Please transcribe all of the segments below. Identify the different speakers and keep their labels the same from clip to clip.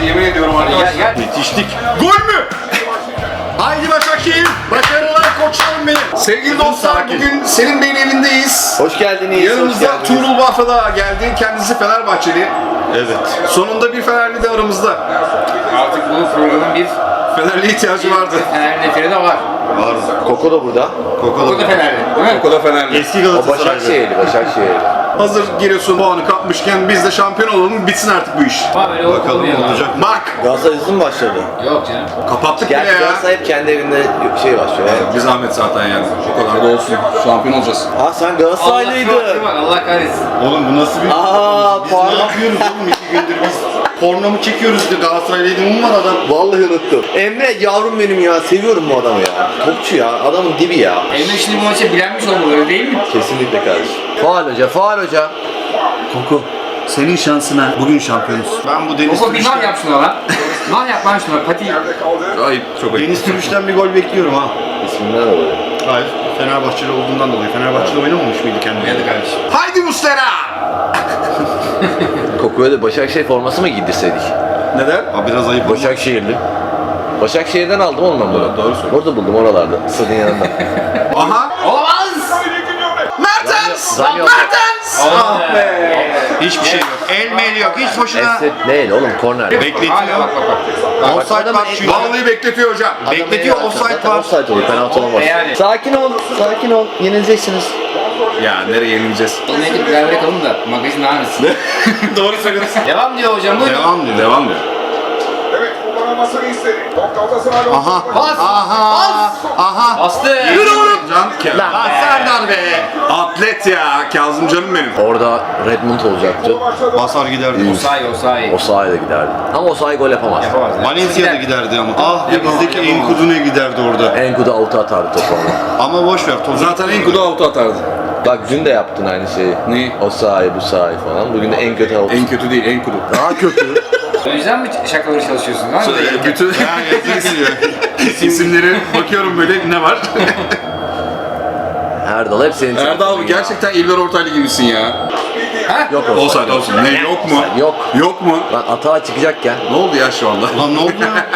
Speaker 1: yemin ediyorum arkadaşlar.
Speaker 2: Yetiştik.
Speaker 1: Gol mü? Haydi Başakşehir. Başarılar koçlarım benim. Sevgili dostlar bugün Selim Bey'in evindeyiz.
Speaker 2: Hoş geldiniz.
Speaker 1: Yanımızda Tuğrul Bafra da geldi. Kendisi Fenerbahçeli.
Speaker 2: Evet.
Speaker 1: Sonunda bir Fenerli de aramızda.
Speaker 3: Artık bu programın bir
Speaker 1: Fenerli ihtiyacı vardı.
Speaker 3: Fenerli neferi de var.
Speaker 2: Var. Koko da burada.
Speaker 3: O da Fenerli, değil mi?
Speaker 1: O da Fenerli.
Speaker 2: Eski Başakşehirli.
Speaker 1: Hazır Giresun puanı kapmışken biz de şampiyon olalım, bitsin artık bu iş.
Speaker 3: Ama böyle
Speaker 2: Bakalım
Speaker 3: olmuyor.
Speaker 2: olacak.
Speaker 1: Bak,
Speaker 2: Galatasaray hızlı mı başladı?
Speaker 3: Yok canım.
Speaker 1: kapattık bile
Speaker 2: Gerçi
Speaker 1: ya.
Speaker 2: Galatasaray hep kendi evinde şey başlıyor.
Speaker 1: Bir zahmet zaten yani. O kadar da olsun. Şampiyon olacağız.
Speaker 2: Aa sen Galatasaraylıydın.
Speaker 3: Allah kahretsin.
Speaker 4: Oğlum bu nasıl bir...
Speaker 2: Aa
Speaker 4: Biz
Speaker 2: pardon.
Speaker 4: ne yapıyoruz oğlum 2 gündür biz? Porno mu çekiyoruz diye Galatasaraylıydım mı var adam?
Speaker 2: Vallahi unuttum. Emre yavrum benim ya. Seviyorum bu adamı ya. Topçu ya. Adamın dibi ya.
Speaker 3: Emre şimdi bu maça bilenmiş olmalı öyle değil mi?
Speaker 2: Kesinlikle kardeşim. Faal hoca.
Speaker 4: Koku. Senin şansına bugün şampiyonuz. Ben bu Deniz
Speaker 3: Oku bir mal
Speaker 4: Türüş'ten,
Speaker 3: yap şuna lan. Mal yap lan şuna pati.
Speaker 1: Ayıp, çok ayıp.
Speaker 4: Deniz Türüş'ten bir gol bekliyorum ha.
Speaker 2: İsminden oluyor.
Speaker 4: Hayır. Fenerbahçeli olduğundan dolayı. Fenerbahçe'de oynamamış mıydı kendine?
Speaker 3: Hadi kardeşim.
Speaker 1: Haydi Muslera!
Speaker 2: Koku'ya da Başakşehir forması mı giydirseydik?
Speaker 1: Neden?
Speaker 4: Aa, biraz ayıp.
Speaker 2: Başakşehirli. Başakşehir'den aldım oğlum ben bunu.
Speaker 1: Doğru söylüyorsun.
Speaker 2: Orada buldum oralarda. Stadın yanında.
Speaker 1: Aha!
Speaker 3: Olamaz.
Speaker 1: Mertens!
Speaker 2: Zam yok.
Speaker 1: Mertens! Ah be!
Speaker 4: Hiçbir şey yok. El meyli yok. Hiç boşuna.
Speaker 2: Esnet değil oğlum korner.
Speaker 4: Bekletiyor.
Speaker 3: Hala bak.
Speaker 4: Offside var çünkü.
Speaker 1: Vallahi bekletiyor hocam.
Speaker 4: Bekletiyor, offside var.
Speaker 2: Offside oluyor, penaltı olmaz.
Speaker 3: Yani.
Speaker 2: Sakin ol, yenileceksiniz.
Speaker 1: Ya nereye yenileceğiz?
Speaker 3: Onu edip beraber yakalım da magazin devam etsin.
Speaker 1: Doğru söylüyorsun.
Speaker 3: Devam diyor hocam buyurun.
Speaker 4: Devam diyor.
Speaker 1: Devam diyor.
Speaker 5: Evet, kullanılmasını istedi. Galatasaray
Speaker 4: Aha.
Speaker 3: Bas.
Speaker 4: Aha.
Speaker 3: Bastı.
Speaker 1: Yürü oğlum! Can
Speaker 2: Lan.
Speaker 1: Lan Serdar be! Atlet ya! Kazım canım benim.
Speaker 2: Orada Redmond olacaktı.
Speaker 4: Basar giderdi.
Speaker 3: Osay.
Speaker 2: Osayi de giderdi. Ama Osayi gol yapamaz.
Speaker 3: Yapamaz.
Speaker 4: Valencia'da giderdi ama. Ah denizdeki
Speaker 3: Yapamam.
Speaker 4: Enkudu'na giderdi orada.
Speaker 2: Enkudu avuta atardı topu ama.
Speaker 4: Ama boş ver. Topu
Speaker 1: Zaten en kudu altı atardı.
Speaker 2: Bak dün de yaptın aynı şeyi.
Speaker 1: Neyi?
Speaker 2: Osayi, Busayi falan. Bugün de en kötü avuta.
Speaker 1: En kötü değil, en kudu.
Speaker 2: Daha kötü.
Speaker 3: O yüzden mi şakaları çalışıyorsun lan?
Speaker 1: Bütün isimleri bakıyorum böyle ne var?
Speaker 2: Erdal hep senin
Speaker 1: Erdal abi gerçekten İlber Ortaylı gibisin ya.
Speaker 2: Yok
Speaker 1: Olsaydı olsun. Ne yok mu?
Speaker 2: Yok.
Speaker 1: Yok mu?
Speaker 2: Lan atağa çıkacakken
Speaker 1: Ne oldu ya şu anda?
Speaker 4: Lan ne oldu ya?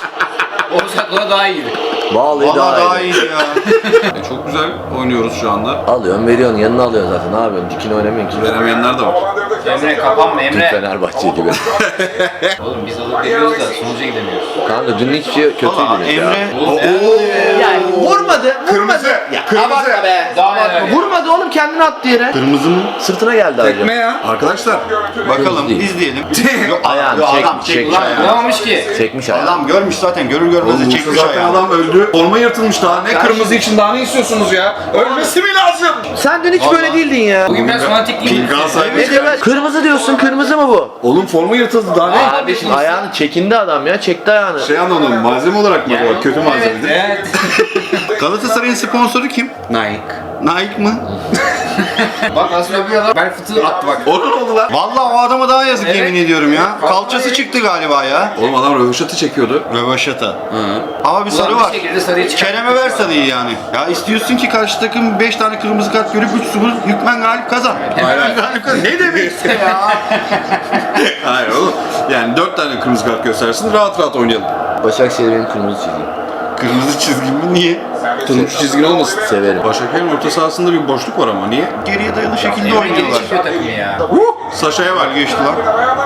Speaker 3: Osay daha iyiydi.
Speaker 2: vallahi
Speaker 4: Valla
Speaker 2: daha
Speaker 4: daha
Speaker 2: iyi.
Speaker 4: iyiydi ya.
Speaker 1: Çok güzel oynuyoruz şu anda.
Speaker 2: Alıyorsun, veriyorsun, yanına alıyorsun zaten. Ne yapıyorsun? Dikini oynamıyorsun ki.
Speaker 1: Veremeyenler de var.
Speaker 3: Emre kapanma
Speaker 2: Dün
Speaker 3: Emre.
Speaker 2: Fenerbahçe gibi.
Speaker 3: Oğlum biz alıp veriyoruz da sonuca gidemiyoruz.
Speaker 2: Kanka dün hiçbir şey
Speaker 4: Valla
Speaker 2: kötüydünüz ya.
Speaker 4: Emre.
Speaker 2: Yani vurmadı.
Speaker 1: Kırmızı. Kırmızı.
Speaker 3: Daha neler?
Speaker 2: Vurmadı oğlum, kendini attı yere.
Speaker 4: Kırmızı mı?
Speaker 2: Sırtına geldi
Speaker 1: Tekme
Speaker 2: ayrıca.
Speaker 1: ya. Arkadaşlar.
Speaker 4: Bakalım
Speaker 2: Değil.
Speaker 4: izleyelim.
Speaker 2: Ayağını
Speaker 4: Yok,
Speaker 2: çek,
Speaker 4: adam
Speaker 2: çek.
Speaker 3: Ulan vuramamış ki.
Speaker 2: Çekmiş ayağını.
Speaker 4: Adam görmüş zaten görür görmez de
Speaker 1: Oğlum
Speaker 4: çekmiş
Speaker 1: zaten
Speaker 4: ayağı.
Speaker 1: adam öldü. Forma yırtılmış daha. Ne
Speaker 2: Karşı-
Speaker 1: kırmızı için daha ne istiyorsunuz ya? Ölmesi mi lazım?
Speaker 2: Sen dün hiç böyle değildin ya.
Speaker 3: Bugün biraz fanatik değil mi?
Speaker 1: Galatasaray
Speaker 2: Ne diyor? Kırmızı diyorsun, kırmızı mı bu?
Speaker 1: Oğlum forma yırtıldı daha ne?
Speaker 2: Kardeşim ayağını çekindi adam ya, çekti ayağını.
Speaker 1: Şey anladım, malzeme olarak mı bu? Kötü malzeme değil.
Speaker 3: Evet.
Speaker 4: Galatasaray'ın sponsoru kim?
Speaker 1: Nike.
Speaker 4: Nike mı?
Speaker 3: Bak nasıl yapıyor lan? Ben fıtığı attı bak.
Speaker 1: O ne oldu lan?
Speaker 4: Vallahi o adama daha yazık
Speaker 3: Evet.
Speaker 4: yemin ediyorum ya. Kalçası çıktı galiba ya.
Speaker 1: Oğlum adam röveşatı çekiyordu.
Speaker 4: Rövaşata. Ama bir sarı
Speaker 3: Ulan
Speaker 4: var.
Speaker 3: bir şekilde sarıyı çıkar.
Speaker 4: Kerem'e ver sarıyı yani. Ya istiyorsun ki karşı takım 5 tane kırmızı kart görüp 3-0 hükmen galip kazan.
Speaker 1: Hayır, hayır.
Speaker 4: Galip kazan. Ne demek ya?
Speaker 1: Hayır oğlum. Yani 4 tane kırmızı kart göstersin rahat rahat oynayalım.
Speaker 2: Başakşehir benim kırmızı çizgim.
Speaker 4: Kırmızı çizgi mi? Niye?
Speaker 1: Turuncu çizgin olmasın.
Speaker 2: Severim.
Speaker 1: Başakşehir'in orta sahasında bir boşluk var ama niye?
Speaker 4: Geriye dayalı şekilde
Speaker 3: Emre geri
Speaker 4: oynuyorlar.
Speaker 3: çıkıyor takımı ya.
Speaker 1: Saşa'ya var.
Speaker 4: Geçti lan.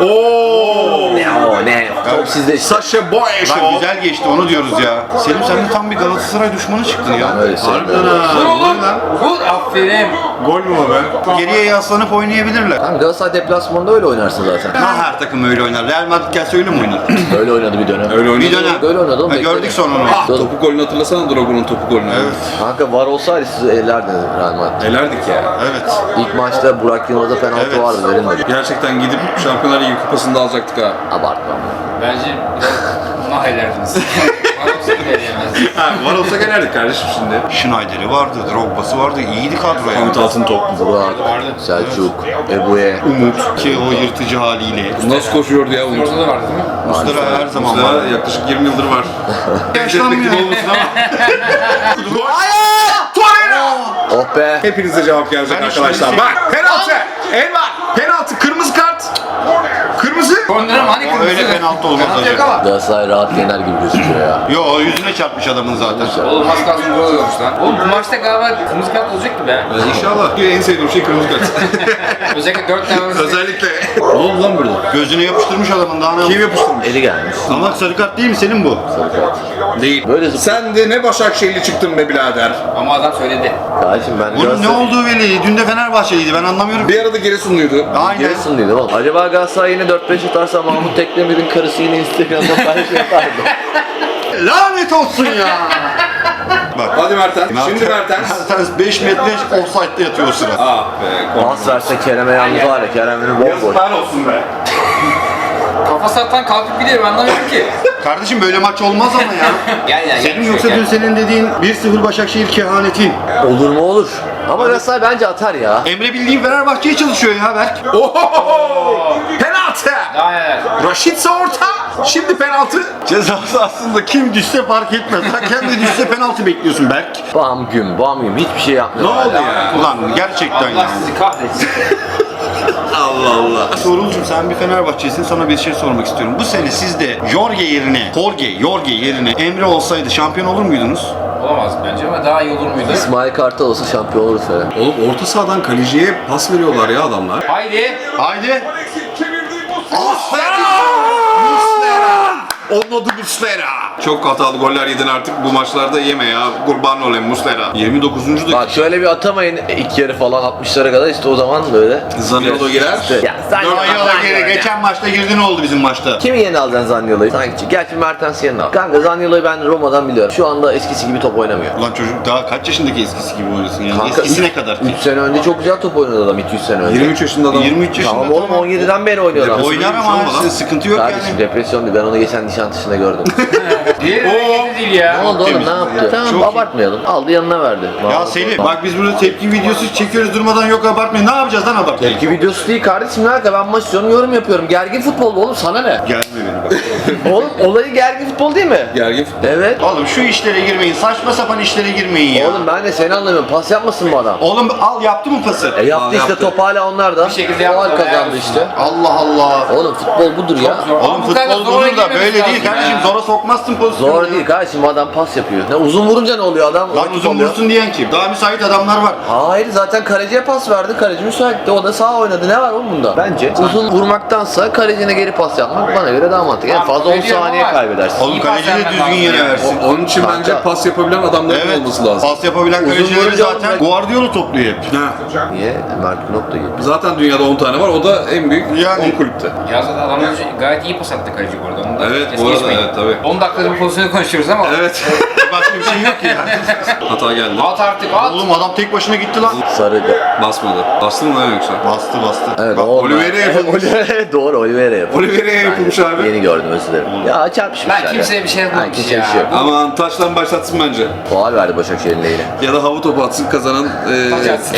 Speaker 1: Oo!
Speaker 2: Ne o ne? Top sizde işte.
Speaker 1: Saşa Boy
Speaker 4: Lan güzel geçti onu diyoruz ya. Selim sen de tam bir Galatasaray düşmanı çıktın ya.
Speaker 2: Öyle
Speaker 1: Harbiden
Speaker 2: sevmiyorum.
Speaker 1: ha.
Speaker 3: Vur
Speaker 1: Vur
Speaker 3: oğlum.
Speaker 1: lan.
Speaker 3: Vur aferin.
Speaker 1: Gol mü o be?
Speaker 4: Geriye yaslanıp oynayabilirler.
Speaker 2: Tamam, Galatasaray deplasmanında öyle oynarsın zaten.
Speaker 4: Ha her takım öyle oynar. Real Madrid gelse öyle mi oynar?
Speaker 2: Öyle oynadı bir dönem.
Speaker 1: Öyle oynuyor.
Speaker 4: Bir dönem.
Speaker 2: Böyle oynadı oğlum.
Speaker 4: Ha,
Speaker 2: bekle.
Speaker 4: gördük sonra onu.
Speaker 1: Ah, topu golünü hatırlasana Drogo'nun topu golünü.
Speaker 4: Evet.
Speaker 2: Kanka var olsaydı sizi ellerdiniz Real Madrid.
Speaker 1: Elerdik ya.
Speaker 4: Evet.
Speaker 2: İlk maçta Burak Yılmaz'a penaltı
Speaker 4: Evet.
Speaker 2: vardı, verilmedi.
Speaker 1: Gerçekten gidip Şampiyonlar Ligi kupasını da alacaktık ha.
Speaker 2: Abartma.
Speaker 3: Bence biraz mahallerdiniz. Bana seni veremez.
Speaker 1: Ha, var olsa gelerdik kardeşim şimdi.
Speaker 4: Schneider'i vardı, Drogba'sı vardı. İyiydi kadro ya.
Speaker 1: Hamit Altıntop.
Speaker 2: Burak, Selçuk, Ebu'ye.
Speaker 4: Umut ki o yırtıcı haliyle.
Speaker 1: Nasıl koşuyordu ya Umut?
Speaker 3: Ortada vardı değil mi?
Speaker 4: Muslera her zaman var.
Speaker 1: Muslera yaklaşık 20 yıldır var.
Speaker 4: Yaşlanmıyor.
Speaker 1: olmasın ama. Torreira!
Speaker 2: Oh be.
Speaker 1: Hepinize cevap gelecek
Speaker 4: Ben
Speaker 1: arkadaşlar.
Speaker 4: hiç-
Speaker 1: Bak penaltı. El var. Penaltı. Kırmızı kart. Kırmızı.
Speaker 3: Kornerim hani
Speaker 4: O
Speaker 3: kırmızı.
Speaker 4: öyle penaltı olmaz
Speaker 3: Penaltı yok
Speaker 4: hocam.
Speaker 3: ama.
Speaker 2: Galatasaray rahat yener gibi gözüküyor ya.
Speaker 4: Yo yüzüne çarpmış adamın zaten.
Speaker 3: Oğlum az kalsın gol oluyormuş lan. Oğlum bu maçta galiba kırmızı kart olacak gibi ha.
Speaker 1: İnşallah. En sevdiğim şey kırmızı kart.
Speaker 3: Özellikle 4 tane arası.
Speaker 1: Özellikle.
Speaker 2: Ne oldu lan burada?
Speaker 4: Gözüne yapıştırmış adamın daha ne
Speaker 1: Kim yapıştırmış?
Speaker 2: Eli gelmiş.
Speaker 4: Ama sarı kart değil mi senin bu?
Speaker 1: Değil.
Speaker 2: Böyle
Speaker 1: Sen de ne Başakşehirli çıktın be birader.
Speaker 3: Ama adam söyledi.
Speaker 2: Kardeşim ben
Speaker 4: Bunun ne olduğu belli. Dün de Fenerbahçeliydi ben anlamıyorum.
Speaker 1: Bir arada Giresunluydu.
Speaker 4: Aynen.
Speaker 2: Giresunluydu oğlum. Acaba Galatasaray yine 4-5 atarsa Mahmut Tekdemir'in karısı yine Instagram'da paylaşım yapar mı?
Speaker 4: Lanet olsun ya. Bak.
Speaker 1: Hadi Mertens. Şimdi Mertens.
Speaker 4: Mertens 5 metre offside'de yatıyor o sıra.
Speaker 1: Ah be.
Speaker 2: Pas verse Kerem'e yalnız var ya, Kerem'in bomboş.
Speaker 1: Yazıklar olsun be.
Speaker 3: Kafa sattan kalkıp gidiyor ben anlamıyorum ki.
Speaker 4: Kardeşim böyle maç olmaz ama ya.
Speaker 3: Gel
Speaker 4: Senin yoksa dün senin dediğin 1-0 Başakşehir kehanetin.
Speaker 2: Olur mu olur. Ama Galatasaray bence atar ya.
Speaker 4: Emre bildiğin Fenerbahçe'ye çalışıyor ya Berk.
Speaker 1: Ohoho! Penaltı.
Speaker 3: Daha neler.
Speaker 1: Raşitse orta. Şimdi penaltı.
Speaker 4: Cezası aslında kim düşse fark etmez. Sen kendi düşse penaltı bekliyorsun Berk.
Speaker 2: Bam güm hiçbir şey
Speaker 4: Ne
Speaker 2: yapmıyor.
Speaker 4: oldu ya? Ulan gerçekten ya.
Speaker 3: Allah sizi kahretsin.
Speaker 1: Allah Allah.
Speaker 4: Sorulcum sen bir Fenerbahçe'sin, sana bir şey sormak istiyorum. Bu sene sizde Jorge yerine Emre olsaydı şampiyon olur muydunuz?
Speaker 3: Olamaz bence ama daha iyi olur muydu?
Speaker 2: İsmail Kartal olsa şampiyon oluruz falan.
Speaker 1: Oğlum orta sahadan kaleciye pas veriyorlar ya adamlar.
Speaker 3: Haydi.
Speaker 4: Haydi.
Speaker 5: Alex'in çevirdiği bu
Speaker 1: Onun adı Muslera. Çok hatalı goller yedin artık bu maçlarda yeme ya. Kurban olayım Muslera.
Speaker 4: 29. dakika.
Speaker 2: Bak şöyle bir atamayın ilk yarı falan 60'lara kadar işte o zaman böyle.
Speaker 1: Zaniolo girer.
Speaker 2: İşte, ya
Speaker 4: Zaniolo geçen maçta girdi, ne oldu bizim maçta?
Speaker 2: kimi yeni alacaksın Zaniolo'yu? Sanki gerçi Mertens yeni al. Kanka Zaniolo'yu ben Roma'dan biliyorum. Şu anda eskisi gibi top oynamıyor.
Speaker 4: Ulan çocuk daha kaç yaşındaki eskisi gibi oynasın yani?
Speaker 2: Kanka,
Speaker 4: Eskisi ne kadar?
Speaker 2: 3 sene önce çok güzel top oynadı adam 200 sene önce.
Speaker 1: 23 yaşında adam.
Speaker 4: 23 yaşında.
Speaker 2: Tamam oğlum 17'den beri oynuyor adam.
Speaker 4: Oynar ama
Speaker 1: Olmadan.
Speaker 4: sıkıntı yok
Speaker 2: Kardeşim
Speaker 4: yani.
Speaker 2: depresyon değil. Ben onu geçen Nişantaşı'nda gördüm.
Speaker 3: Diğeri hareketi değil ya.
Speaker 2: Ne oldu oğlum
Speaker 4: temiz.
Speaker 2: ne yaptı? Tamam
Speaker 4: Çok iyi.
Speaker 2: abartmayalım. Aldı yanına verdi.
Speaker 4: Ya Selim bak biz burada tepki videosu çekiyoruz durmadan, yok abartmayın. Ne yapacağız lan abartmayın?
Speaker 2: Tepki videosu değil kardeşim ne alaka, ben maç izliyorum yorum yapıyorum. Gergin futbol bu oğlum, sana ne?
Speaker 4: Gelme beni bak.
Speaker 2: Oğlum olayı gergin futbol değil mi?
Speaker 1: Gergin futbol.
Speaker 2: Evet.
Speaker 4: Oğlum şu işlere girmeyin. Saçma sapan işlere girmeyin ya.
Speaker 2: Oğlum ben de seni anlamıyorum. Pas yapmasın bu adam.
Speaker 4: Oğlum al, yaptı mı pası?
Speaker 2: Yaptı
Speaker 1: Tamam,
Speaker 2: işte,
Speaker 1: yaptı.
Speaker 2: top hala onlarda.
Speaker 3: Bir şekilde yaptı,
Speaker 2: Faul kazandı
Speaker 3: helal
Speaker 2: işte.
Speaker 4: Allah Allah.
Speaker 2: Oğlum futbol budur ya.
Speaker 3: Zor.
Speaker 4: Oğlum
Speaker 3: Bu kadar
Speaker 4: futbol
Speaker 3: zora
Speaker 4: budur da
Speaker 3: girmemiz
Speaker 4: böyle değil
Speaker 3: lazım
Speaker 4: kardeşim.
Speaker 3: ya.
Speaker 4: Zora sokmazsın pozisyonu.
Speaker 2: Zor değil kardeşim, adam pas yapıyor. Ne uzun vurunca ne oluyor adam?
Speaker 4: Lan
Speaker 2: rakip
Speaker 4: uzun
Speaker 2: oluyor.
Speaker 4: vursun diyen kim? Daha müsait adamlar var.
Speaker 2: Hayır zaten kaleciye pas verdi. Kaleci müsaitti. O da sağ oynadı. Ne var oğlum bunda? Bence uzun vurmaktansa kalecine geri pas yapmak bana göre daha mantıklı. En fazla 10
Speaker 3: Biliyorum
Speaker 2: saniye
Speaker 3: ama-
Speaker 2: kaybedersin.
Speaker 4: Oğlum
Speaker 3: İyi
Speaker 4: kaleci
Speaker 3: pas
Speaker 4: de
Speaker 3: vermen
Speaker 4: düzgün
Speaker 3: lazım
Speaker 4: yere
Speaker 3: ya.
Speaker 4: versin.
Speaker 1: Onun için
Speaker 2: Kanka.
Speaker 1: bence pas yapabilen adamların
Speaker 4: Evet.
Speaker 1: olması lazım.
Speaker 4: Pas yapabilen
Speaker 2: Uzun
Speaker 4: kalecileri
Speaker 2: vurunca
Speaker 4: zaten
Speaker 2: oğlum
Speaker 4: Guardiola topluyor hep.
Speaker 1: Ha.
Speaker 2: Niye? Mert Günok da gibi.
Speaker 1: Zaten dünyada 10 tane var. O da en büyük
Speaker 4: Yani.
Speaker 1: 10 kulüpte.
Speaker 3: Ya zaten adam önce gayet iyi pas attı kaleci bu arada. Onu da
Speaker 1: Evet,
Speaker 3: es
Speaker 1: bu arada
Speaker 3: geçmeyin.
Speaker 1: evet, tabii.
Speaker 3: 10 dakikada bir pozisyonu konuşuyoruz ama.
Speaker 1: Evet.
Speaker 4: Başka bir şey yok ki ya.
Speaker 1: Hata geldi.
Speaker 3: At artık at.
Speaker 4: Oğlum adam tek başına gitti lan.
Speaker 2: Sarı.
Speaker 1: Basmadı. Bastı mı lan yoksa?
Speaker 4: Bastı.
Speaker 2: Evet,
Speaker 1: Bak,
Speaker 2: oldu.
Speaker 1: Oliveira yapılmış.
Speaker 2: Oliveira, doğru Oliveira yapılmış.
Speaker 1: Oliveira'ya yapılmış abi.
Speaker 2: Yeni gördüm, özür dilerim. Ya çarpışmışlar
Speaker 3: Ben kimseye bir şey
Speaker 2: Ha,
Speaker 3: yapmamış
Speaker 2: kimseye
Speaker 3: ya.
Speaker 2: bir şey yok.
Speaker 1: Aman taştan başlatsın bence.
Speaker 2: Faul verdi Başakşehir'in lehine.
Speaker 1: Ya da hava topu atsın kazanan.
Speaker 3: Taç atsın.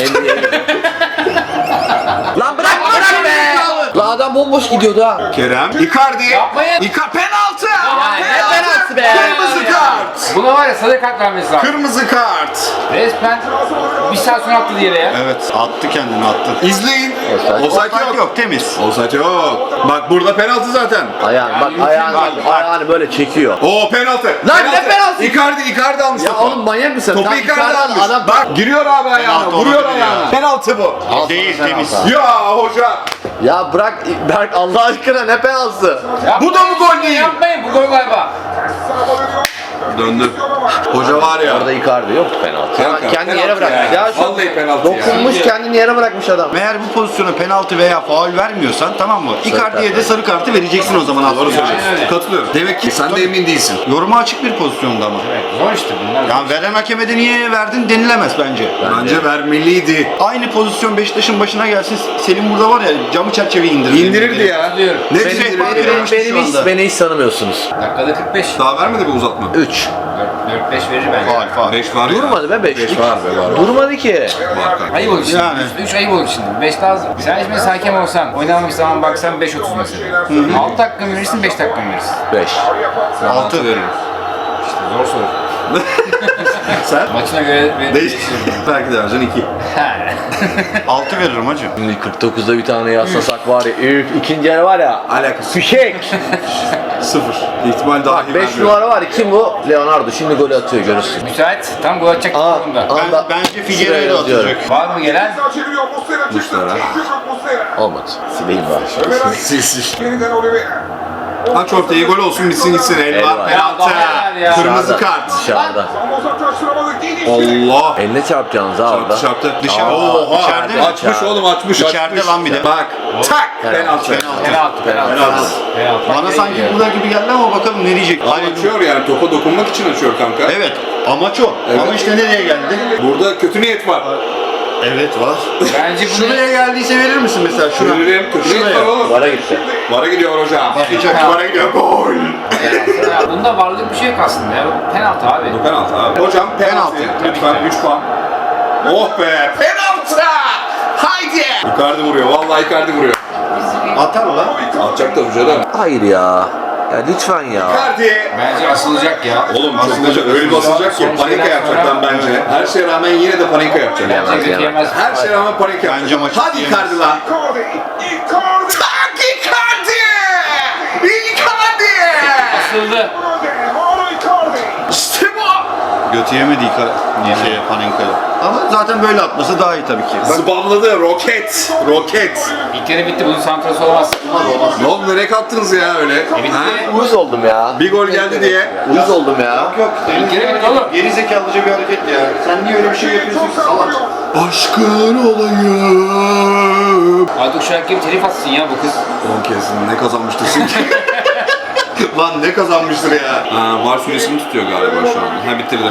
Speaker 2: Lan bırak be! Lan adam bomboş gidiyordu ha.
Speaker 1: Kerem. Icardi.
Speaker 3: Yapmayın.
Speaker 1: Penaltı.
Speaker 2: Ne penaltı be!
Speaker 1: Kırmızı kart.
Speaker 3: Buna var ya sarı kart vermesi lazım.
Speaker 1: Kırmızı kart.
Speaker 3: Resmen bir saat sonra attı diğeri ya.
Speaker 4: Evet attı kendini attı.
Speaker 1: İzleyin.
Speaker 2: Offside.
Speaker 1: Offside yok.
Speaker 4: Yok temiz.
Speaker 1: Offside yok. Bak burada penaltı zaten.
Speaker 2: Ayağını böyle çekiyor.
Speaker 1: Oo penaltı.
Speaker 2: Lan ne penaltı?
Speaker 1: Icardi almış
Speaker 2: Ya
Speaker 1: topu.
Speaker 2: oğlum manyak mısın?
Speaker 1: Topu
Speaker 2: Tam
Speaker 1: Icardi
Speaker 2: Icardi
Speaker 1: almış.
Speaker 2: adam-
Speaker 1: Bak giriyor abi ayağına.
Speaker 4: Penaltı
Speaker 1: Vuruyor
Speaker 4: olabilir
Speaker 1: ayağına.
Speaker 4: ya.
Speaker 1: Penaltı bu.
Speaker 2: Al
Speaker 4: Değil
Speaker 2: sana
Speaker 4: temiz.
Speaker 2: penaltı.
Speaker 1: Ya hoca.
Speaker 2: Ya bırak Berk Allah aşkına, ne penaltısı?
Speaker 1: Bu da mı gol değil?
Speaker 3: Yapmayın, bu gol galiba.
Speaker 1: Döndü. Hoca var ya.
Speaker 2: Orada Icardi yok penaltı.
Speaker 1: Kanka,
Speaker 2: Kendini
Speaker 1: penaltı
Speaker 2: yere bırakmış.
Speaker 1: ya.
Speaker 2: Ya şu
Speaker 1: Vallahi penaltı ya.
Speaker 2: dokunmuş, kendini yere bırakmış adam.
Speaker 4: Eğer bu pozisyona penaltı veya faul vermiyorsan tamam mı? Icardi'ye de sarı kartı vereceksin o zaman aslında.
Speaker 1: Doğru söylüyorsun.
Speaker 3: Aynen öyle.
Speaker 1: Katılıyorum. Demek ki sen de emin değilsin.
Speaker 4: Yoruma açık bir pozisyonda ama.
Speaker 3: Evet, zor işte bunlar.
Speaker 4: Ya veren hakeme de niye verdin denilemez bence.
Speaker 1: Bence vermeliydi.
Speaker 4: Aynı pozisyon Beşiktaş'ın başına gelsin. Selim burada var ya, camı çerçeveyi indirir.
Speaker 1: İndirirdi ya.
Speaker 3: Diyorum.
Speaker 1: Ne
Speaker 4: Benim-
Speaker 1: indirirdi
Speaker 4: benim-
Speaker 1: ya?
Speaker 2: Beni hiç tanımıyorsunuz.
Speaker 3: Dakikada 45.
Speaker 1: Daha vermedi bu uzatma.
Speaker 2: 3.
Speaker 3: 4-5 verir bence.
Speaker 4: Faul faul.
Speaker 1: 5 var ya.
Speaker 2: Durmadı be 5.
Speaker 1: 5 var be var.
Speaker 2: Durmadı ki.
Speaker 1: Var kanka.
Speaker 3: Ayıp olur şimdi.
Speaker 4: Yani.
Speaker 3: 3 ayıp olur şimdi. 5 lazım. Sen şimdi hakem olsan, oynanmış zaman baksan 5.30 mesela. 6 dakika mı verirsin, 5 dakika mı verirsin?
Speaker 2: 5.
Speaker 4: 6 veririm.
Speaker 3: İşte zor soru.
Speaker 1: Sen?
Speaker 3: Maçına göre
Speaker 1: Değiş. Belki de vereceksin 2.
Speaker 4: 6 veririm hacı.
Speaker 2: Şimdi 49'da bir tane yaslasak var ya. Üf, ikinci yarı var ya.
Speaker 1: Alakası.
Speaker 2: Fişek.
Speaker 1: 0. İhtimal daha iyi
Speaker 2: 5
Speaker 1: vermiyorum.
Speaker 2: numara var ya. Kim bu? Leonardo. Şimdi golü atıyor görürsün.
Speaker 3: Müsait. Tam gol atacak durumda.
Speaker 4: Bence Figueiredo atacak.
Speaker 3: Var mı gelen?
Speaker 5: Sağ çeviriyor Muslera.
Speaker 1: Muslera.
Speaker 5: Muslera.
Speaker 2: Olmadı. Sileyim bari.
Speaker 5: Ömer
Speaker 1: Sil.
Speaker 5: yeniden Oliveira.
Speaker 1: Aç ortayı, gol olsun, bitsin gitsin. El
Speaker 2: El
Speaker 1: var,
Speaker 2: var.
Speaker 1: penaltı.
Speaker 3: Ya.
Speaker 1: Kırmızı
Speaker 2: Dışarıda,
Speaker 1: kart.
Speaker 2: Dışarıda.
Speaker 5: Ama uzaklaştıramadı. Geniş.
Speaker 1: Allah.
Speaker 2: Eline çarpacaksınız ha orada.
Speaker 1: Çarptı.
Speaker 4: Dışarı.
Speaker 1: Oha.
Speaker 4: İçeride mi?
Speaker 1: Açmış oğlum, açmış.
Speaker 4: İçeride
Speaker 1: açmış.
Speaker 4: lan bir de.
Speaker 1: Bak. Tak. Penaltı.
Speaker 3: Penaltı.
Speaker 4: Bana sanki burada gibi geldi ama bakalım ne diyecek. Hayır.
Speaker 1: Açıyor yani, topa dokunmak için açıyor kanka.
Speaker 4: Evet. Amaç o.
Speaker 1: Evet.
Speaker 4: Ama işte nereye geldi?
Speaker 1: Burada kötü niyet var.
Speaker 4: Evet var.
Speaker 3: Bence bunu
Speaker 4: Şuraya geldiyse verir misin mesela şuna?
Speaker 1: Veririm. Kötü niyet var
Speaker 4: Şuraya.
Speaker 1: oğlum.
Speaker 2: Vara gitti.
Speaker 1: Vara gidiyor hocam. Bakacak, vara gidiyor. Gol.
Speaker 3: bunda varlık bir şey yok aslında ya. Penaltı abi.
Speaker 1: Penaltı abi. Hocam penaltı. Lütfen 3 puan. Oh be. Penaltı. Haydi. Icardi vuruyor. Vallahi Icardi vuruyor.
Speaker 4: Atar lan.
Speaker 1: Atacak da hocam.
Speaker 2: Hayır ya. Ya lütfen ya.
Speaker 1: Icardi.
Speaker 3: Bence asılacak ya.
Speaker 1: Oğlum asılacak, öyle bir asılacak ki panika yapacak lan bence. Her şeye rağmen yine de panika yapacak.
Speaker 2: Yemez,
Speaker 3: Bence
Speaker 2: yemez.
Speaker 3: yemez.
Speaker 1: Her şeye rağmen panika yapacak.
Speaker 4: Bence maçı
Speaker 1: Hadi
Speaker 4: yiyemez.
Speaker 1: Icardi lan.
Speaker 5: Icardi. Icardi.
Speaker 1: Tak Icardi. Icardi.
Speaker 3: Asıldı.
Speaker 5: Mauro Icardi.
Speaker 1: İşte bu.
Speaker 4: Götü yemedi Panenka'ya. Ama zaten böyle atması daha iyi tabii ki.
Speaker 1: Zıbamladı. Roket. Roket.
Speaker 3: İlk kere bitti. Bunun santrası olmaz.
Speaker 1: Ne oldu, nereye kalktınız ya öyle? Ha?
Speaker 2: Uyuz oldum ya.
Speaker 1: Bir gol geldi diye.
Speaker 2: Uyuz oldum ya.
Speaker 4: Yok.
Speaker 3: kere bitti oğlum.
Speaker 4: Geri zekalıca bir hareket ya. Sen niye öyle bir şey yapıyorsun ki salak?
Speaker 1: Aşkın olayım.
Speaker 3: Artık şu an kim telif atsın ya bu kız.
Speaker 1: 10 kez ne kazanmıştır çünkü. Lan ne kazanmıştır ya. Var süresini tutuyor galiba şu an. Ha bitirdi.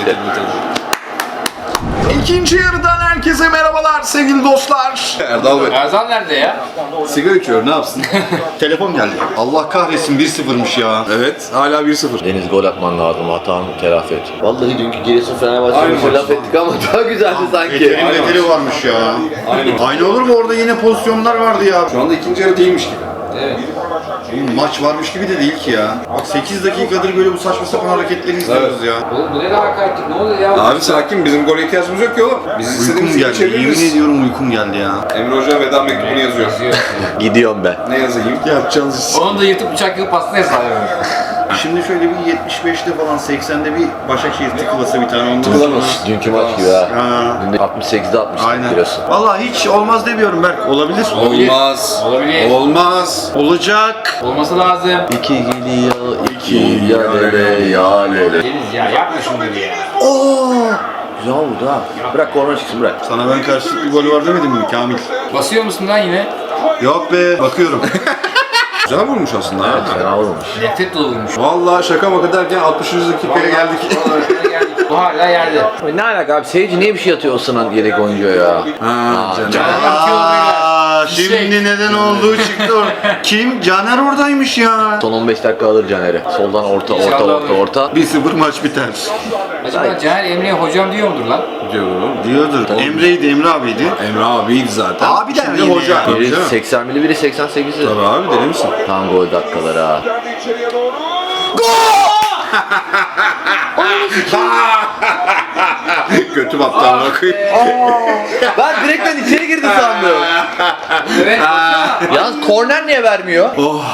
Speaker 1: İkinci yarıdan herkese merhabalar sevgili dostlar. Erdal Bey.
Speaker 3: Erzan nerede ya?
Speaker 1: Sigara içiyor, ne yapsın?
Speaker 4: Telefon geldi. Allah kahretsin 1-0'mış ya.
Speaker 1: Evet, hala 1-0.
Speaker 2: Deniz gol atman lazım. Hatanı telafi et. Vallahi dünkü Giresun Fenerbahçe'ye
Speaker 1: Aynı
Speaker 2: bir laf
Speaker 1: maç.
Speaker 2: ettik ama daha güzeldi sanki.
Speaker 4: Beterin beteri varmış ya. Aynı olur mu? Orada yine pozisyonlar vardı ya.
Speaker 1: Şu anda ikinci yarı değilmiş gibi.
Speaker 3: Evet.
Speaker 4: Oğlum maç varmış gibi de değil ki ya. Bak 8 dakikadır böyle bu saçma sapan hareketleri izliyoruz ya.
Speaker 3: Oğlum bu ne kadar hakaretlik? Ne oluyor ya?
Speaker 1: Abi sakin, bizim gole ihtiyacımız yok ki oğlum. Biz istediğimiz
Speaker 4: Uykum
Speaker 1: gibi
Speaker 4: geldi. Yemin
Speaker 1: çeviririz.
Speaker 4: ediyorum uykum geldi ya.
Speaker 1: Emre Hoca veda mektubunu yazıyor.
Speaker 2: Gidiyorım ben.
Speaker 1: Ne yazayım? Yapacağınız iş.
Speaker 3: Onu da yırtıp bıçak yıkıp pasta hesabı.
Speaker 4: Şimdi şöyle bir 75'te falan 80'de bir Başakşehir tıkılasa bir tane ondan sonra.
Speaker 1: Tıkılamaz.
Speaker 2: Dünkü maç gibi ha.
Speaker 4: Ha.
Speaker 2: Dün de 68'de 60
Speaker 4: Aynen.
Speaker 2: Giresun.
Speaker 4: Vallahi hiç olmaz demiyorum Berk. Olabilir.
Speaker 1: Olmaz.
Speaker 3: Olabilir.
Speaker 1: Olmaz.
Speaker 4: Olacak.
Speaker 3: Olması lazım.
Speaker 2: İki gidiyor, iki yalele yalele.
Speaker 3: Deniz ya yapma şunu dedi ya.
Speaker 2: Güzel oldu ha. Bırak korna çıksın bırak.
Speaker 4: Sana ben karşılıklı bir golü var demedim mi Kamil?
Speaker 3: Basıyor musun lan yine?
Speaker 4: Yok be. Bakıyorum.
Speaker 1: Güzel vurmuş aslında.
Speaker 2: Evet, fena olmamış.
Speaker 3: Nefret dolu vurmuş.
Speaker 1: Vallahi şaka maka derken 60. dakikaya geldik.
Speaker 3: Bu hala yerde.
Speaker 2: Ne alaka abi? Seyirci niye bir şey atıyor o sınan yedek oyuncuya ya?
Speaker 1: Ha, canım.
Speaker 4: Aa,
Speaker 3: Fişek.
Speaker 4: şimdi neden olduğu çıktı orada. Kim? Caner oradaymış ya.
Speaker 2: Son 15 dakika alır Caner'i. Soldan orta, orta,
Speaker 3: İnşallah
Speaker 2: orta,
Speaker 3: alır.
Speaker 2: orta.
Speaker 4: 1-0 maç biter.
Speaker 3: Acaba Caner Emre'ye hocam diyor mudur lan?
Speaker 1: Diyorum.
Speaker 4: Diyordur. Emre'ydi, Emre abiydi.
Speaker 1: Emre abiydi zaten.
Speaker 4: Abi der
Speaker 1: Şimdi
Speaker 4: yine
Speaker 1: hoca.
Speaker 4: ya.
Speaker 1: Tabii
Speaker 2: Biri
Speaker 1: canım.
Speaker 2: 80'li biri 88'li.
Speaker 1: Tabii abi, deli misin?
Speaker 2: Tam gol dakikaları ha.
Speaker 5: Geldi içeriye doğru.
Speaker 1: Kötü battı ama koyayım.
Speaker 2: Ben direkten içeri girdi sandım.
Speaker 3: Evet.
Speaker 2: Yalnız korner niye vermiyor?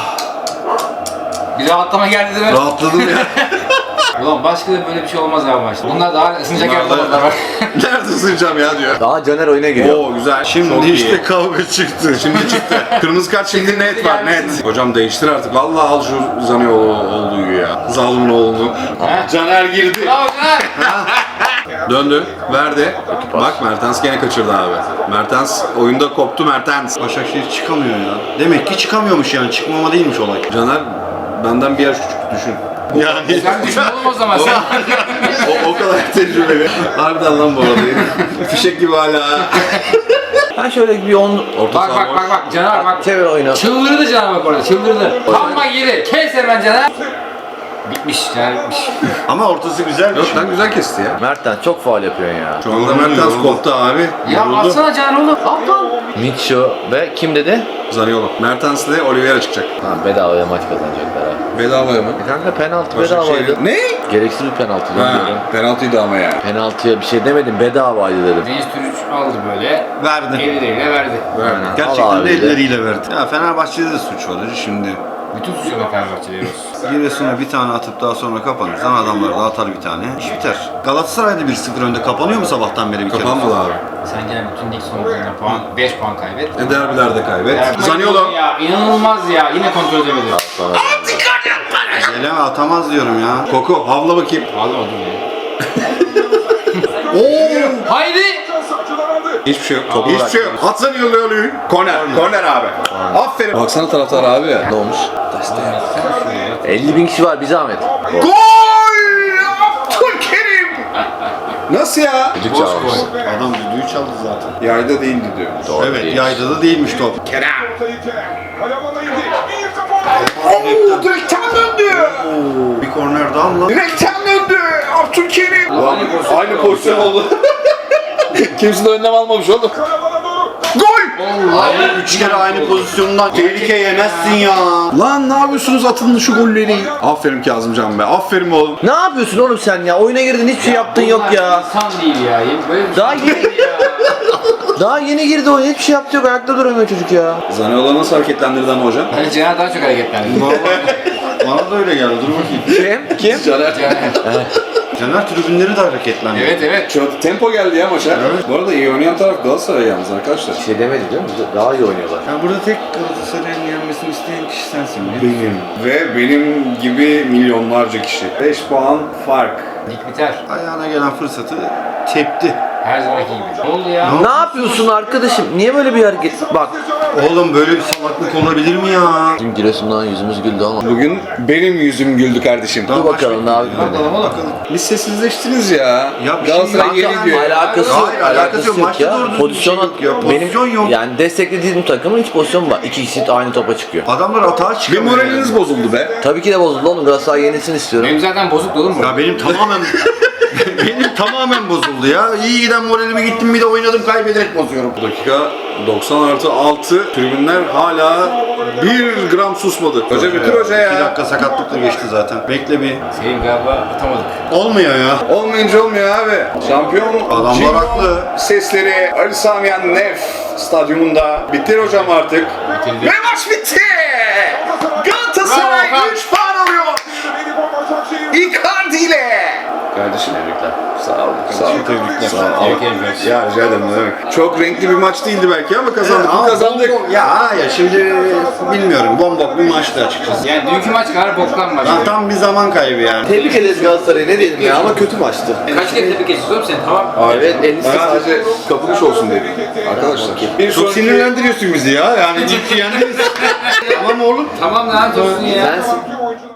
Speaker 3: Bir rahatlama geldi değil mi?
Speaker 1: Rahatladım ya.
Speaker 3: Ulan başka da böyle bir şey olmaz abi maçta. Bunlar daha ısınacak
Speaker 1: Bunlar da-
Speaker 3: yapmadılar bak.
Speaker 1: Nerede ısınacağım ya diyor.
Speaker 2: Daha Caner oyuna giriyor.
Speaker 1: Oo güzel.
Speaker 4: Şimdi
Speaker 1: Çok
Speaker 4: işte
Speaker 1: iyi.
Speaker 4: kavga çıktı.
Speaker 1: Şimdi çıktı. Kırmızı kart şimdi net var, net. Hocam değiştir artık. Vallahi al şu Zaniolo olduğu ya. Zalimin oğlu. Caner girdi.
Speaker 3: Bravo Caner.
Speaker 1: Döndü. Verdi. Bak Mertens gene kaçırdı abi. Mertens oyunda koptu Mertens.
Speaker 4: Başakşehir çıkamıyor ya. Demek ki çıkamıyormuş yani. Çıkmama değilmiş olay.
Speaker 1: Caner benden bir yaş küçük, düşün.
Speaker 4: Yani
Speaker 3: Sen düşün oğlum o zaman sen.
Speaker 1: O kadar tecrübeli. Harbiden lan bu arada. Fişek gibi hala.
Speaker 2: Ben şöyle bir 10...
Speaker 1: Orta
Speaker 3: Bak
Speaker 1: saha
Speaker 3: bak
Speaker 1: boş.
Speaker 3: bak bak Caner bak.
Speaker 2: Çevir oyunu.
Speaker 3: Çıldırdı Caner bak orada çıldırdı. Tam bak yeri. Kes hemen Caner. Bitmiş. Caner bitmiş.
Speaker 4: Ama ortası güzel.
Speaker 1: Yok lan güzel kesti ya.
Speaker 2: Mertens çok faul yapıyorsun ya.
Speaker 1: Şu anda Mertens koptu abi.
Speaker 3: Ya atsana Caner oğlum. At lan.
Speaker 2: Mitchell ve kim dedi?
Speaker 1: Zaniolo. Mertens ile Oliveira çıkacak.
Speaker 2: Ha, bedavaya maç kazanacaklar ha.
Speaker 1: Bedavaya mı?
Speaker 2: Kanka penaltı
Speaker 1: Başakşehir-
Speaker 2: bedavaydı.
Speaker 1: Ne?
Speaker 2: Gereksiz bir penaltı
Speaker 1: Ha,
Speaker 2: diyorum.
Speaker 1: penaltıydı ama ya.
Speaker 2: Penaltıya bir şey demedim, bedavaydı dedim.
Speaker 3: Deniz Türüç aldı böyle.
Speaker 4: Verdi.
Speaker 3: Elleriyle verdi.
Speaker 2: Aynen. Al
Speaker 4: Gerçekten
Speaker 2: abi
Speaker 4: de
Speaker 2: de.
Speaker 4: elleriyle verdi. Ya Fenerbahçe'de de suç var hacı şimdi.
Speaker 3: Bütün suçu da Fenerbahçe'de yiyoruz.
Speaker 4: Giresun'a bir tane atıp daha sonra kapanırsan adamlar da atar bir tane. İş biter. Galatasaray'da 1-0 önde kapanıyor mu sabahtan beri bir kere?
Speaker 1: Kapanmadı abi.
Speaker 3: Sen gene bütün lig sonucunda puan, 5 puan kaybet.
Speaker 1: Derbilerde kaybet.
Speaker 3: Ya,
Speaker 1: Zaniolo.
Speaker 3: Ya inanılmaz ya. Yine kontrol edemedi.
Speaker 2: Sana
Speaker 4: Geleme atamaz diyorum ya.
Speaker 1: Koku havla bakayım.
Speaker 3: Aldım aldım ya.
Speaker 1: Oo!
Speaker 3: Haydi.
Speaker 5: Saçıdan aldı.
Speaker 1: Hiçbir şey yok. Topu hiçbir şey yok. At Zaniolo'yu. Korner. Korner abi. Aferin. Baksana taraftar abi.
Speaker 2: ne olmuş? 50 bin kişi var, bir zahmet.
Speaker 1: Gol! Abdülkerim! Nasıl ya?
Speaker 2: Düdük
Speaker 3: Boş
Speaker 2: çalmış.
Speaker 3: gol.
Speaker 4: Adam düdüğü çaldı zaten.
Speaker 1: Yayda değildi diyor.
Speaker 2: Doğru
Speaker 4: Evet
Speaker 2: değil.
Speaker 4: yayda da değilmiş top.
Speaker 5: Ortayı Kerem. Kayamana indi. Bir kafa.
Speaker 1: Oo, direkten döndü.
Speaker 4: Bir korner daha mı lan?
Speaker 1: Direkten döndü. Abdülkerim.
Speaker 3: Aynı pozisyon
Speaker 1: oldu. Kimse de önlem almamış oğlum.
Speaker 5: Kayamana doğru.
Speaker 1: Gol!
Speaker 4: Abi 3 kere aynı pozisyondan tehlike yemezsin ya.
Speaker 1: Lan ne yapıyorsunuz, atın şu golleri. Aferin Kazımcan be. Aferin oğlum.
Speaker 2: Ne yapıyorsun oğlum sen ya? Oyuna girdin, hiçbir şey yaptın yok ya.
Speaker 3: İnsan değil ya. Böyle bir
Speaker 2: Daha
Speaker 3: şey
Speaker 2: yeni-
Speaker 3: değil ya.
Speaker 2: Daha yeni girdi oyuna, hiçbir şey yaptı yok, ayakta duramıyor çocuk ya.
Speaker 1: Zaniolo nasıl hareketlendirdi ama hocam?
Speaker 3: Bence Caner daha çok hareketlendi.
Speaker 4: Bana da öyle geldi. Dur bakayım.
Speaker 2: Kim?
Speaker 1: Caner.
Speaker 3: Caner.
Speaker 4: Caner tribünleri de hareketlendi.
Speaker 3: Evet evet.
Speaker 1: Çok tempo geldi ya maça.
Speaker 4: Evet.
Speaker 1: Bu arada iyi oynayan taraf Galatasaray yalnız arkadaşlar.
Speaker 2: Bir şey demedi değil mi? Daha iyi oynuyorlar.
Speaker 4: Ya burada tek Galatasaray'ın yenmesini isteyen kişi sensin. Benim.
Speaker 1: Ve benim gibi milyonlarca kişi. 5 puan fark.
Speaker 3: Lig biter.
Speaker 4: Ayağına gelen fırsatı tepti.
Speaker 3: Her zamanki gibi. Ne oldu ya?
Speaker 2: Ne yapıyorsun arkadaşım? Niye böyle bir hareket? Bak.
Speaker 4: Oğlum böyle bir salaklık olabilir mi ya?
Speaker 2: Bizim Giresun'dan yüzümüz güldü ama.
Speaker 1: Bugün benim yüzüm güldü kardeşim.
Speaker 2: Dur bakalım ne yapayım.
Speaker 4: Bakalım.
Speaker 1: Biz sessizleştiniz ya.
Speaker 4: Ya bir şey
Speaker 1: Galatasaray
Speaker 2: Kanka,
Speaker 1: geri diyor.
Speaker 2: alakası yok,
Speaker 4: Hayır, alakası yok. Maçta
Speaker 2: ya.
Speaker 4: doğru düzgün
Speaker 2: Pozisyon,
Speaker 4: bir şey yok ya.
Speaker 2: benim
Speaker 4: Pozisyon yok.
Speaker 2: yani desteklediğim takımın hiç pozisyon var. İki kişi aynı topa çıkıyor.
Speaker 4: Adamlar atağa
Speaker 1: Bir
Speaker 4: çıkamıyor.
Speaker 1: moraliniz bozuldu be.
Speaker 2: Tabii ki de bozuldu oğlum. Galatasaray yenilsin istiyorum.
Speaker 3: Benim zaten bozuk oğlum bu.
Speaker 4: Ya benim tamamen benim tamamen bozuldu ya. İyi giden moralime gittim bir de oynadım kaybederek bozuyorum.
Speaker 1: Dakika 90+6 tribünler hala 1 gram susmadı. Hoca bitir hoca
Speaker 4: 2
Speaker 1: ya.
Speaker 4: dakika sakatlıkla geçti zaten. Bekle bir.
Speaker 3: Senin galiba atamadık.
Speaker 4: Olmuyor ya.
Speaker 1: Olmayınca olmuyor abi. Şampiyon
Speaker 4: Adamlar
Speaker 1: Cino
Speaker 4: haklı.
Speaker 1: sesleri Ali Sami Yen Nef stadyumunda. Bitir hocam artık.
Speaker 3: Bitirdi.
Speaker 1: Ve maç bitti. Galatasaray
Speaker 3: Bravo,
Speaker 1: 3 puan alıyor.
Speaker 5: Beni Başakşehir.
Speaker 1: Icardi ile. Kardeşim
Speaker 2: Tebrikler.
Speaker 1: sağ ol. Sağ ol.
Speaker 4: Tebrikler.
Speaker 1: Sağ ol.
Speaker 3: Tebrik ederim.
Speaker 1: Ya rica ederim ne demek. Çok renkli bir maç değildi belki ama kazandık.
Speaker 4: Ama
Speaker 1: Kazandık.
Speaker 4: ya şimdi bilmiyorum. Bombok bir maçtı açıkçası.
Speaker 3: Yani dünkü maç kadar boktan maç.
Speaker 4: Lan tam bir zaman kaybı yani.
Speaker 2: Tebrik ederiz Galatasaray'ı, ne diyelim ya, ama kötü maçtı.
Speaker 3: Kaç kere tebrik ediyorsun oğlum sen? Tamam.
Speaker 2: Evet, 58.
Speaker 1: Sadece kapılış olsun dedik. Arkadaşlar. Bir
Speaker 4: Çok
Speaker 1: sonraki
Speaker 4: sinirlendiriyorsun bizi ya. Yani ciddi yendiniz. Tamam oğlum.
Speaker 3: Tamam lan dursun ya.
Speaker 2: Sensin.
Speaker 5: Oyuncular